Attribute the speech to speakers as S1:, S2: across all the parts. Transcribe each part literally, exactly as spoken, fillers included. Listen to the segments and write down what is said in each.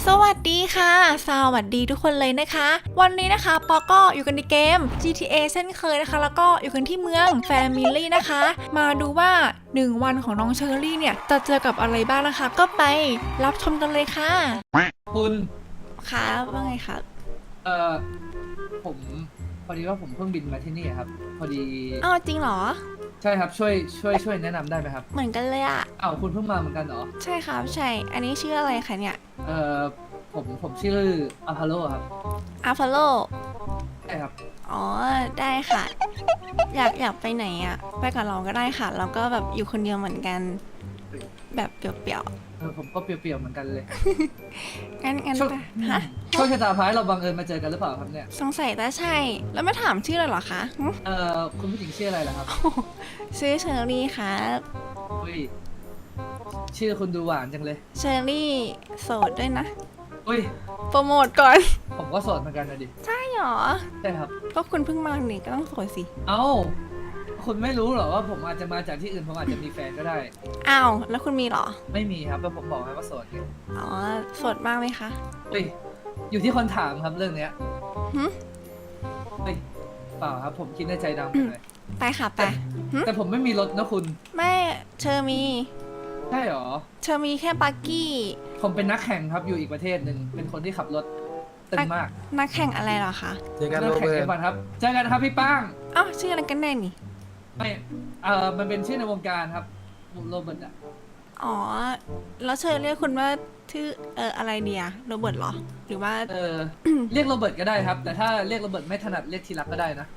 S1: วัสดีค่ะสวัสดีทุกคนเลยนะคะวันนี้นะคะปอก็อยู่กันในเกม จี ที เอ เช่นเคยนะคะแล้วก็อยู่กันที่เมือง Family นะคะมาดูว่าหนึ่งวันของน้องเชอรี่เนี่ยจะเจอกับอะไรบ้างนะคะก็ไปรับชมกันเลยค่ะ
S2: คุณ
S1: ค่ะว่าไงคะ
S2: เอ่อผมพอดีว่าผมเพิ่งบินมาที่นี่ครับพอดี
S1: อ้าวจริงเหรอ
S2: ใช่ครับช่วยช่วยช่วยแนะนำได้ไหมครับ
S1: เหมือนกันเลยอะ
S2: อ้าวคุณเพิ่งมาเหมือนกันเหรอ
S1: ใช่ครับใช่อันนี้ชื่ออะไรคะเนี่ย
S2: เอ่อผมผมชื่ออพอลโลครับ
S1: อาฟาโล
S2: ใช่ครับ
S1: อ๋อได้ค่ะอยากอยากไปไหนอะไปกับเราก็ได้ค่ะเราก็แบบอยู่คนเดียวเหมือนกันแบบเปลี่ยวๆ
S2: เออผมก็เปรียวๆเหมือนกันเลย
S1: งั้นงั้น
S2: ช่วง
S1: ไปฮะ
S2: ช่วงชะตาพายเราบังเอิญมาเจอกันหรือเปล่าครับเนี่ย
S1: สงสัยแต่ใช่ แล้วไม่ถามชื่อเลยเหรอคะหึ
S2: เอ่อคุณผู้หญิงชื่ออะไรล่ะครับ
S1: ชื่อเชอรี่ครับ
S2: อุ้ยชื่อคุณดูหวานจังเลย
S1: เชอรี่โสดด้วยนะ
S2: อุ้ย
S1: โปรโมทก่อน
S2: ผมก็โสดเหมือนกันนะดิ
S1: ใช่หรอ
S2: ใช่ครับ
S1: ก็คุณเพิ่งมาหนิก็ต้องโสดสิ
S2: เอ้าคุณไม่รู้เหรอว่าผมอาจจะมาจากที่อื่นผมอาจจะมีแฟนก็ได้
S1: อ้าว แล้วคุณมีเหรอ
S2: ไม่มีครับแล้วผมบอกให้ว่าโสดไง
S1: อ๋อโสดมากไหมคะ
S2: เฮ้ยอยู่ที่คนถามครับเรื่องเนี้ย
S1: หึ
S2: เฮ้ยเปล่าครับผมคิดในใจดำไปเลย
S1: ไปค่ะไปหึ
S2: แต่ผมไม่มีรถนะคุณ
S1: ไม่เชอมี
S2: ใช่หรอ
S1: เชอมีแค่ปักกี้
S2: ผมเป็นนักแข่งครับอยู่อีกประเทศหนึ่งเป็นคนที่ขับรถตึงมาก
S1: นักแข่งอะไรเหรอคะ
S3: เจอกัน
S2: นั
S3: โร
S2: แข่ง
S3: เบิ
S2: เอ
S3: ร์ต
S2: วันครับเจอกันครับพี่ป้าง
S1: อ้าวชื่ออะไรกันแน่นี่
S2: ไม่เออมันเป็นชื่อในวงการครับโรเบิร์ตอะ
S1: อ๋อ แล้วเชอเรียกคุณว่าชื่อเอออะไรเดียโรเบิร์ตเหรอ หรือว่า
S2: เออ เรียกโรเบิร์ตก็ได้ครับ แต่ถ้าเรียกโรเบิร์ตไม่ถนัดเรียกทีรักก็ได้นะ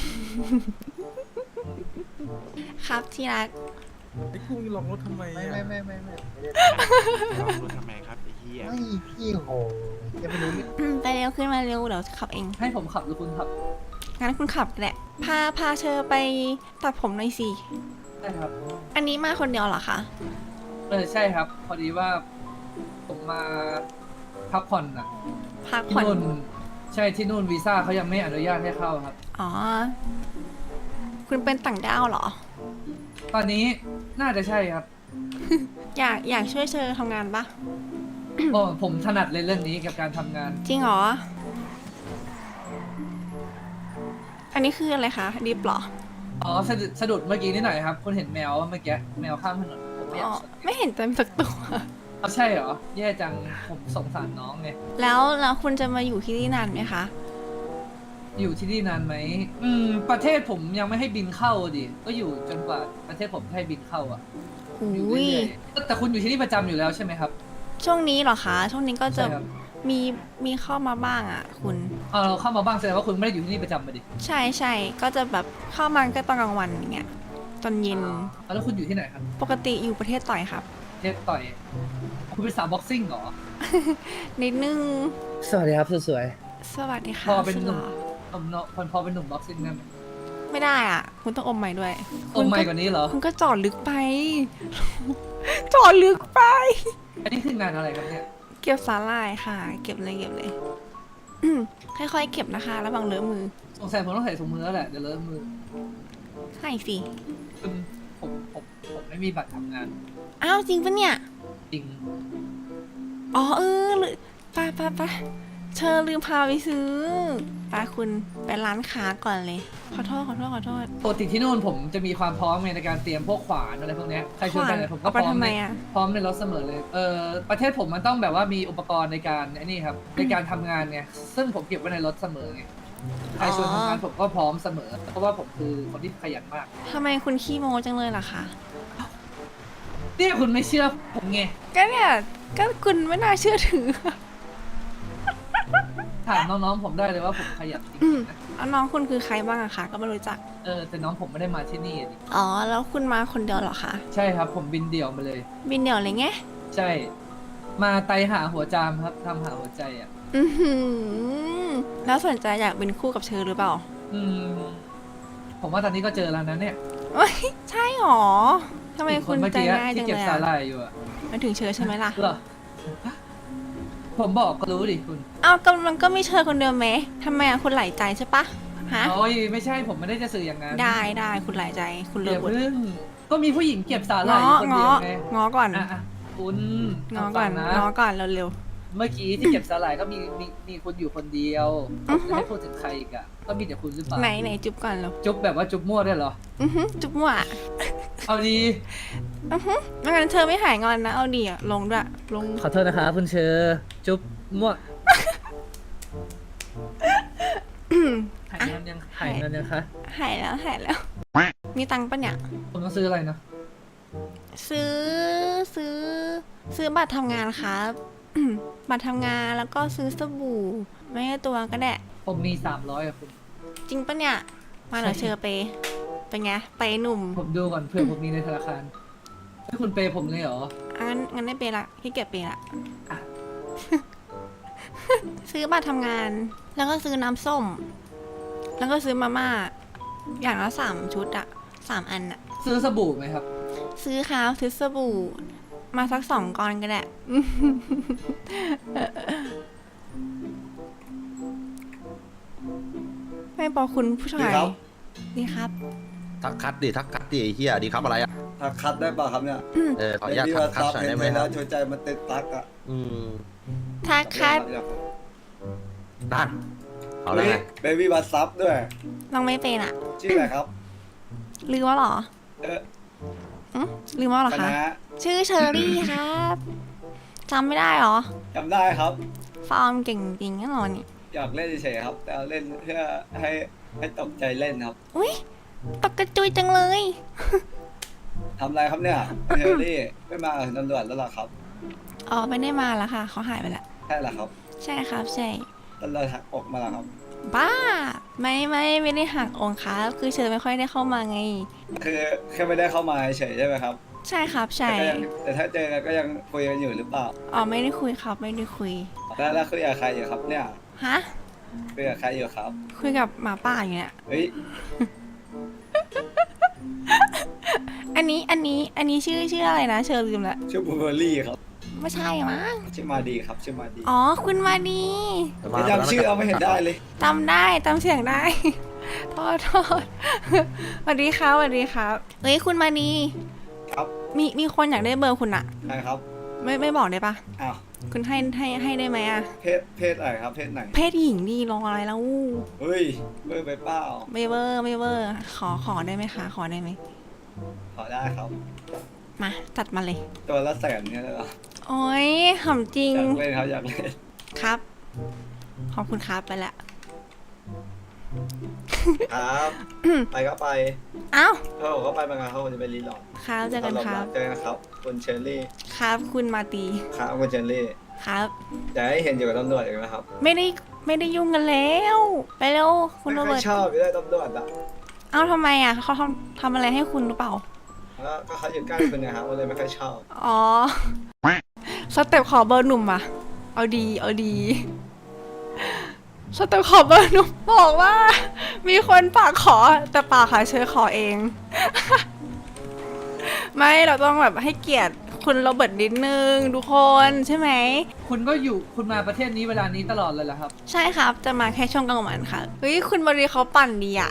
S1: ครับที่รัก
S3: ไอ้กุ้งลงรถทำไม
S4: ไม่
S3: อ่ะ
S4: ไม่ไม่ไม่ไม่ไม่ได้
S5: ลองรถทำไมครับไอ้เหี้ย
S4: ไม่พี่โหจะไม่รู้เรื่อง
S1: อืมไปเร็วขึ้นมาเร็วเดี๋ยวขับเอง
S2: ให้ผมขับหรือคุณขับ
S1: งั้นคุณขับแหละ พาพาเชอไปตัดผมหน่อยสิ
S2: ได้ครับ
S1: อันนี้มาคนเดียวเหรอคะ
S2: เออใช่ครับ พอดีว่าผมมาพักผ่อนอะ
S1: พัก
S2: ที่
S1: ผ่อน
S2: นู่นใช่ที่นู่นวีซ่าเขายังไม่อนุญาตให้เข้าครับ
S1: อ๋อ คุณเป็นต่างด้าวเหรอ
S2: ตอนนี้น่าจะใช่ครับ
S1: อยากอยากช่วยเชอทำงานปะ
S2: โอ้ผมถนัดเลยเรื่องนี้กับการทำงาน
S1: จริงเหรอ อันนี้คืออะไรคะดิฟเหรอ
S2: อ๋อสะดุดสะดุดเมื่อกี้นิดหน่อยครับคุณเห็นแมวเมื่อกี้แมวข้ามถนนผมไม่อยา
S1: อ๋
S2: ก
S1: อ
S2: ชน
S1: ไม่เห็นเต็มสักตัว
S2: เอาใช่เหรอ แย่จังผมสงสารน้องไง
S1: แล้วแล้วคุณจะมาอยู่ที่นี่นานไหมคะ
S2: อยู่ที่นี่นานไหมอืมประเทศผมยังไม่ให้บินเข้าดิก็อยู่จนกว่าประเทศผมจะให้บินเข้าอ่ะอยู่
S1: อุ้ย
S2: เรื่อยๆแต่คุณอยู่ที่นี่ประจำอยู่แล้วใช่ไหมครับ
S1: ช่วงนี้เหรอคะ ช่วงนี้ก็จะ
S2: ใช่ครับ
S1: มีมีเข้ามาบ้างอ่ะ คุณ
S2: เออเราเข้ามาบ้างแสดงว่าคุณไม่ได้อยู่ที่นี่ประจำมาดิ
S1: ใช่ใช่ก็จะแบบเข้ามาก็ตอนกลางวันอย่างเงี้ย ตอนเย็น
S2: อ๋อแล้วคุณอยู่ที่ไหนครับ
S1: ปกติอยู่ประเทศต่อยครับ
S2: ประเทศต่อย คุณเป็นสาวบ็อกซิ่งเหรอ
S1: นิดนึง
S2: สวัสดีครับสวย
S1: สวัสดีค่ะ
S2: พอเป็นหนุ่ม
S1: สุดล่อ
S2: ๆผมเนาะพอเป็นหนุ่มบ็อกซิ่งได้ไหม
S1: ไม่ได้อ่ะ คุณต้องอมใหม่ด้วย
S2: โอ้ไม่กว่านี้เหรอ
S1: คุณก็จอดลึกไป จอดลึกไป
S2: อันนี้คืองานอะไรครับเนี่ย
S1: เก็บสาหร่ายค่ะ เก็บเลยเก็บเลยอืมค่อยๆเก็บนะคะระวังเลอะมือ
S2: สงสัยผมต้องใส่ถุงมือแล้วแหละเดี๋ยวเลอะมือ
S1: ใช่สิ
S2: คือผมผมผมไม่มีบัตรทำงาน
S1: อ้าวจริงปะเนี่ย
S2: จริง
S1: อ๋อเออลืไปไปไปเชอลืมพาไปซื้อไปคุณไปร้านค้าก่อนเลย ขอโทษขอโทษขอโทษ
S2: ปกติที่นู่นผมจะมีความพร้อมในการเตรียมพวกขวานอะไรพวกเนี้ยใครชวนไปเนี่ยผมก็
S1: เอา
S2: พ
S1: ไป
S2: ร้อม
S1: ทำไม
S2: ใน
S1: อะ
S2: พร้อมในรถเสมอเลย เออประเทศผมมันต้องแบบว่ามีอุปกรณ์ในการไอ้นี่ครับในการทำงานไงซึ่งผมเก็บไว้ในรถเสมอไงใครชวนทำงานผมก็พร้อมเสมอ เพราะว่าผมคือคนที่ขยันมาก
S1: ทำไมคุณขี้โม้จังเลยล่ะคะ
S2: เนี่ยคุณไม่เชื่อผมไง
S1: ก็เนี่ยก็คุณไม่น่าเชื่อถือ
S2: ถามน้องๆผมได้เลยว่าผมขยันจริง
S1: อืม
S2: ๆนะ
S1: แล้วน้องคุณคือใครบ้างอะคะก็ไม่รู้จัก
S2: เออแต่น้องผมไม่ได้มาที่นี่อะดิ
S1: อ๋อ แล้วคุณมาคนเดียวเหรอคะ
S2: ใช่ครับผมบินเดี่ยวมาเลย
S1: บินเดี่ยวเลยไง
S2: ใช่ มาไตหาหัวจามครับทำหาหัวใจอ่ะ
S1: อือหือแล้วสนใจอยากเป็นคู่กับเชอหรือเปล่า
S2: อืม ผมว่าตอนนี้ก็เจอแล้วนะเนี่ย
S1: เอ้ยใช่หรอทำไมคุณ
S2: นเมื่อ
S1: ใจ
S2: กี้
S1: ง่ายจั
S2: ที่
S1: ง
S2: เก็บ
S1: เลย
S2: สา
S1: อะ
S2: หร่ายอยู่อะ
S1: มันถึงเชอใช่ไหมล่ะ
S2: เหรอ ผมบอกก็รู้ดิคุณ
S1: อ้าวก็มันก็ไม่เชอคนเดียวไหมทำไมอะคุณหลายใจใช่ปะฮะ
S2: โอ้ยไม่ใช่ผมไม่ได้จะสื่ออย่างนั้น
S1: ได้ได้คุณหลายใจคุณเลื
S2: เดี๋
S1: อย ก
S2: ว
S1: บท
S2: เพิ่งก็มีผู้หญิงเก็บสาหร่าย
S1: ง้
S2: อ
S1: อยู่
S2: คน
S1: ง้
S2: เดี
S1: อ
S2: ยวไง
S1: ง้อก่อน
S2: อ่ะอ่ะคุณ
S1: ง้อ
S2: ฟั
S1: ก่อน
S2: นะ
S1: ง้อก่อนเร็ว
S2: เมื่อกี้ที่เก็บสลายก็มีมีมีคุณอยู่คนเดียวผมจะให้พูดถึงใครอีกอะก็มีแต่คุณหรือเปล่า
S1: ไหนไหนจุ๊บก่อนเหรอ
S2: จุ๊บแบบว่าจุ๊บมั่วได้วยเหรอ
S1: อือฮึจุ๊บมั่ว
S2: เอาดี
S1: อือฮึไม่งั้นเธอไม่หายงอนนะเอาดีอะลงด้วยลง
S2: ขอโทษนะคะคุณเชอร์จุ๊บมั่วหายงานยังหายงานยังคะ
S1: หายแล้วหายแล้ว มีตังค์ปะเนี่ย
S2: ผมต้องซื้ออะไรนะ
S1: ซื้อซื้อ ซื้อบัตรทำงานครับ บัตรทำงานแล้วก็ซื้อสบู่ ไม่ให้ตัวก็ได้
S2: ผมมีสามร้อยอะคุณ
S1: จริงปะเนี่ย มาเหรอเชอเปย์เป็นไงไปย์หนุ่ม
S2: ผมดูก่อนเผื่อผมมีในธนาคารให้คุณเปย์ผมเลยเหรอ
S1: อ่ะงั้นงั้นได้เปย์ละพี่เก็บเปย์ละ
S2: อ่ะ
S1: ซื้อบัตรทำงาน แล้วก็ซื้อน้ำส้ม แล้วก็ซื้อมาม่า อย่างละสามชุดอะสามอันอะ
S2: ซื้อสบู่ไหมครับ
S1: ซื้อครับซื้อสบู่ มาสักสองก้อนก็ได้ ไม่บอกคุณผู้ชาย
S6: ดีครับ
S1: ดีครับ
S7: ทักคัดดิทักคัดดิไอ้เหี้ยดีครับอะไรอ่ะ
S6: ถ้าคัดได้ป่ะครับเนี่ย
S7: เออขออนุญาต
S6: พี่
S7: ทั
S6: ว่าก
S7: คัด
S6: ซับ
S7: หน่อย
S6: เห็น
S7: ได้ไห
S6: ไป
S7: มค
S6: แล้
S7: รั
S6: ว
S7: บ
S6: ชวนใจมันตึกตักอ่ะ
S7: อืม
S1: ทักคัด
S7: นั่นเอาเลย
S6: เบบี้บัสซับด้วย
S1: ลองไม่เป็นอะ
S6: ชื่ออะไรครับ
S1: ลืมว่าเหรอ
S6: เออ
S1: อืมลืมว่าเหรอ
S6: ค
S1: คะ
S6: ณะ
S1: ชื่อเชอรี่ครับจำไม่ได้เหรอ
S6: จำได้ครับ
S1: ฟอร์มเก่งจริงแน่นอนนี่
S6: อยากเล่นเฉยๆครับ แต่เล่นเพื่อให้ให้ตกใจเล่นครับ
S1: อุ้ยตกกระจุยจังเลย
S6: ทำอะไรครับเนี่ยเฮลลี่ไม่มากับตำรวจแล้วเหรอครับ
S1: อ๋อไม่ได้มาแล้วค่ะเขาหายไปละ
S6: ใช่เหรอครับ
S1: ใช่ครับใช่
S6: ตำรวจหักอกมาแล้วครับ
S1: บ้า ไม่ไม่ไม่ได้หักองค์ครับคือเชอไม่ค่อยได้เข้ามาไง
S6: คือแค่ไม่ได้เข้ามาเฉยๆใช่ไหมครับ
S1: ใช่ครับใช่
S6: แต่ก็ยังแต่ถ้าเจอกันก็ยังคุยกันอยู่หรือเปล่า
S1: อ๋อไม่ได้คุยครับไม่ได้คุย
S6: แล้วแล้วคุยกับใครอยู่ครับเนี่ย
S1: ฮะ
S6: คุยกับใครอยู่ครับ
S1: คุยกับหมาป่าอยู่เนี่ย
S6: เฮ้ย
S1: อันนี้อันนี้อันนี้ชื่อชื่ออะไรนะเชอลืมละ
S6: ชื่อบูเบอร์รี่ครับ
S1: ไม่ใช่มั้ง
S6: ชื่อมาดีครับชื่อมาดี
S1: อ๋อคุณมาดี
S6: ไม่จำชื่อเอาไม่เห็นได้เลย
S1: จำได้จำเสียงได้ โทษโทษสวัสดีครับสวัสดีครับเฮ้ยคุณมาดี
S6: ครับ
S1: มีมีคนอยากได้เบอร์คุณอะ
S6: ใครครับ
S1: ไม่ไม่บอกได้ปะ
S6: อ้าว
S1: คุณให้ให้ให้ได้ไหมอะ
S6: เพศเพศอะไรครับ เพศไหน
S1: เพศหญิงดีรออะไรแล้ว
S6: เฮ้ยเบอร์ไปเปล่า
S1: ไม่เวอร์ไม่เวอร์ขอขอได้ไหมคะขอได้ไหม
S6: ขอได้ครับ
S1: มาจัดมาเลย
S6: ตัวละแสนเนี่ยเลยเหรอ
S1: โอ้ยหอมจริง
S6: อยากเล่นครับอยากเล่น
S1: ครับ ขอบคุณครับไปละ
S6: ครับ ไปก็ไป
S1: อ้าว
S6: เขาบอกเขาไปบางงานเขาจะไปรีหลอด
S1: ครับเจอกันครับ
S6: เจอกันครับคุณเชอรี่
S1: ครับคุณมาตี
S6: ครับคุณเชอรี่
S1: ครับ
S6: จะให้เห็นอยู่กับตำรวจอีกนะครับ
S1: ไม่ได้ไม่ได้ยุ่งกันแล้ว ไปเร็วคุณโร
S6: ไม่
S1: เบิ
S6: ค่อ
S1: ร์
S6: ย
S1: ต
S6: ชอบไม่ได้ตำรวจอ่ะ
S1: เอ้าทำไมอ่ะเขาทำทำอะไรให้คุณหรือเปล่า
S6: แล้วก็เขาอยู่ใกล้คุณนะครับก็เลยไม่ค่อยชอบ
S1: อ๋อ สเต็ปขอเบอร์หนุ่มอ่ะ เอาดี เอาดี สเต็ปขอเบอร์หนุ่มบอกว่า มีคนปากขอ แต่ปากค่ะเชอขอเอง ไม่เราต้องแบบให้เกียรติคุณโรเบิร์ตนิดนึงทุกคนใช่ไหม
S2: คุณก็อยู่คุณมาประเทศนี้เวลานี้ตลอดเลยเหรอครับ
S1: ใช่ครับ จะมาแค่ช่วงกลางวันค่ะ เฮ้ย คุณบรีเขาปั่นดีอ่ะ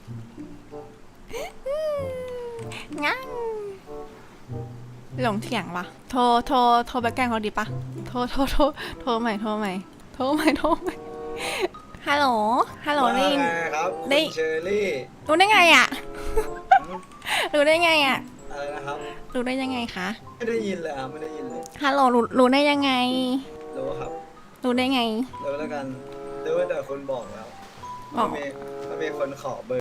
S1: งั้นหลงเถียงปะโทร โทร โทรไปแกล้งเขาดีปะโทร โทร โทร โทรใหม่ โทรใหม่ โทรใหม่ โทรใหม่ ฮัลโหล ฮัลโหลได้ยิน
S6: ว่าไงครับ
S1: ได้
S6: คุณเชอรี่
S1: รู้ได้ไงอ่ะ รู้ได้ไงอ่ะ
S6: อะไรนะครับ
S1: รู้ได้ยังไงคะ
S6: ไม่ได้ยินเลยครับไม่ได้ยินเลย
S1: ฮัลโหล รู้รู้ได้ยังไง
S6: รู้ครับ
S1: รู้ได้ไง
S6: รู้แล้วกันรู้แต่คุณบอกแล้ว
S1: บอก
S6: ว่ามีว่ามีคนขอเบอร์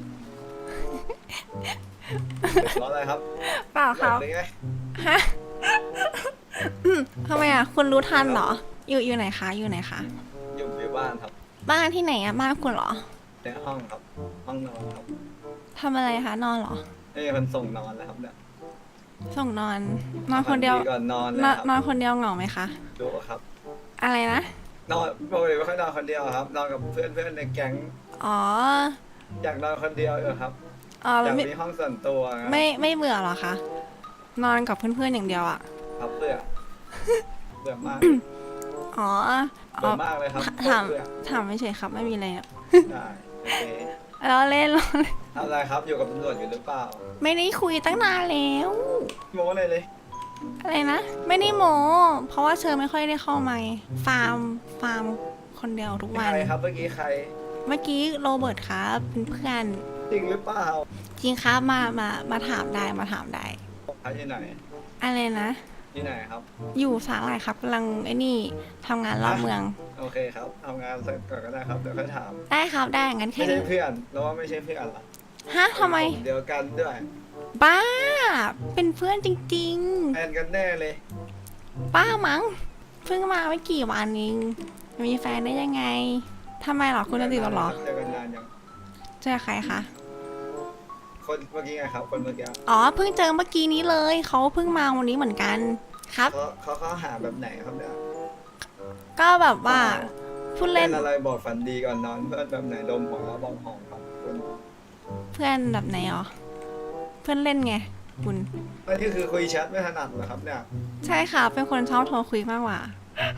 S6: เพราะอะไรครับ
S1: เปล่าครับ
S6: หลอกได้ไง
S1: ฮะอืมทำไมอ่ะ คุณรู้ทันเหรอ อยู่อยู่ไหนคะ อยู่ไหนคะ
S6: อยู่ในบ้านครับ
S1: บ้านที่ไหนอ่ะ บ้านคุณเหรอ
S6: ในห้องครับ ห้องนอนครับ
S1: ทำอะไรคะ นอนเหรอ
S6: ไม่มีคนส่งนอนแล้วครับเนี่ย
S1: ส่งนอน นอนคนเดียว
S6: ก่อนนอนเลย
S1: นอน
S6: ครับ
S1: นอนคนเดียวเหงาไหมคะ
S6: ดูครับ
S1: อะไรนะ
S6: นอนปกติไม่ค่อยนอนคนเดียวครับ นอนกับเพื่อนเพื่อนในแก๊ง
S1: อ๋อ
S6: อยากนอนคนเดียวอยู่ครับ
S1: อ๋อ
S6: อ
S1: แล้
S6: ยาว ก
S1: ไม่
S6: มีห้องส่วนตัวครับ
S1: ไม่ไม่เบื่อเหรอคะ นอนกับเพื่อนๆอย่างเดียวอ่ะ
S6: ครับเบื่อเบื่อมาก
S1: อ๋อ อ๋
S6: เบื่
S1: อ
S6: อมากเลยครับ
S1: ถาม
S6: เบื่อ
S1: ถามไม่เฉยครับ ไม่มีอะไรอะ
S6: ได้โอเค
S1: เราเล่นเราเล่น
S6: ทำอะไรครับอยู่กับตำรวจอยู่หรือเปล่า
S1: ไม่ได้คุยตั้งนานแล้ว
S6: โม้เลยเลย
S1: อะไรนะ ไม่ได้โมเพราะว่าเชอไม่ค่อยได้เข้ามาไงฟาร์มฟาร์มคนเดียวทุกวัน
S6: ใครครับเมื่อกี้ใคร
S1: เมื่อกี้โรเบิร์ตครับเป็นเพื่อน
S6: จริงหรือเปล่า
S1: จริงครับมามามาถามได้มาถามได้
S6: ใครที่ไหน
S1: อะไรนะ
S6: ที่ไหนครับ
S1: อยู่สาหร่ายครับกำลังไอ้นี่ทำงานรอบเมือง
S6: โอเคครับทำงานเสร็จก่อนก็ได้ครับเดี๋ยวค่อยถาม
S1: ได้ครับได้งั้น
S6: ไม่
S1: แค่
S6: ใช่
S1: นี้
S6: เพื่อนแล้วว่าไม่ใช่เพื่อนละ
S1: ฮะทำไม
S6: เดียวกันด้วย
S1: บ้า เป็นเพื่อนจริง
S6: แฟนกันแน่เลย
S1: ๆ ป้ามั้งเพิ่งมาไม่กี่วันเองมีแฟนได้ยังไงทำไมหรอคุณจะติดหรอ
S6: เจอกันนานยัง
S1: เจอใครคะ
S6: คนเมื่อกี้ไงครับ คนเมื่อกี้
S1: อ๋อเพิ่งเจอเมื่อกี้นี้เลยเขาเพิ่งมาวันนี้เหมือนกันครับ
S6: เขาเขาเขาหาแบบไหนครับเนี่ย
S1: ก็แบบว่าพูด
S6: เล่
S1: เล่
S6: น
S1: น
S6: อะไรบอกฝันดีก่อนนอนเพื่อนแบบไหนดมของแล้วบองหอมครับคุณ
S1: เพื่อนแบบไหนอ๋อเพื่อนเล่นไงคุณ
S6: อันนี้คือคุยแชทไม่ถนัดเหรอครับเนี่ย
S1: ใช่ค่ะ เป็นคนชอบโทรคุยมากกว่า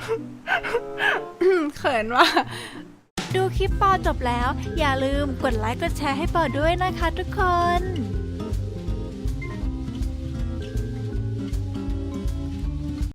S1: เขินว่ะ ดูคลิปปอจบแล้ว อย่าลืมกดไลค์กดแชร์ให้ปอด้วยนะคะทุกคน